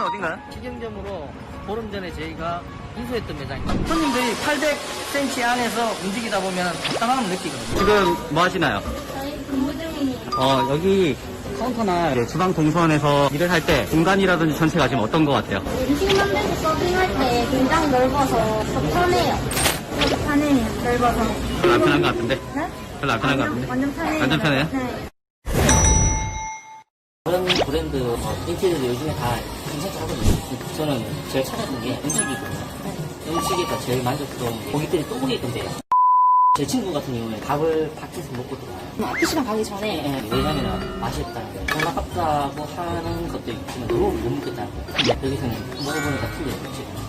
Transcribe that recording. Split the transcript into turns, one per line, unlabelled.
어딘가요?
시경점으로 보름 전에 저희가 인수했던 매장입니다. 손님들이 800cm 안에서 움직이다 보면 답답함을 느끼거든요.
지금 뭐 하시나요?
저희 근무 중이에요.
여기 카운터나 이제 주방 동선에서 일을 할 때 공간이라든지 전체가 지금 어떤 것 같아요?
음식 만들고 서빙할 때 굉장히 넓어서 더 편해요. 더 편해요. 넓어서.
별로 안 편한 것 같은데?
네?
별로 안 편한 것 같은데?
완전 편해요.
완전 편해요?
네.
그런 브랜드 인테리어도 요즘에 다 괜찮게 하거든요. 저는 제일 찾았던 게 음식이거든요. 음식에서 제일 만족스러운 게 고객들이 또 오게끔 돼요. 제 친구 같은 경우에 밥을 밖에서 먹고 들어와요. PC방 가기 전에. 왜냐면 맛이 없다는 거예요. 돈 아깝다고 하는 것도 있지만 너무 못 먹겠다는 거예요. 근데 여기서는 먹어보니까 틀려요. 지금.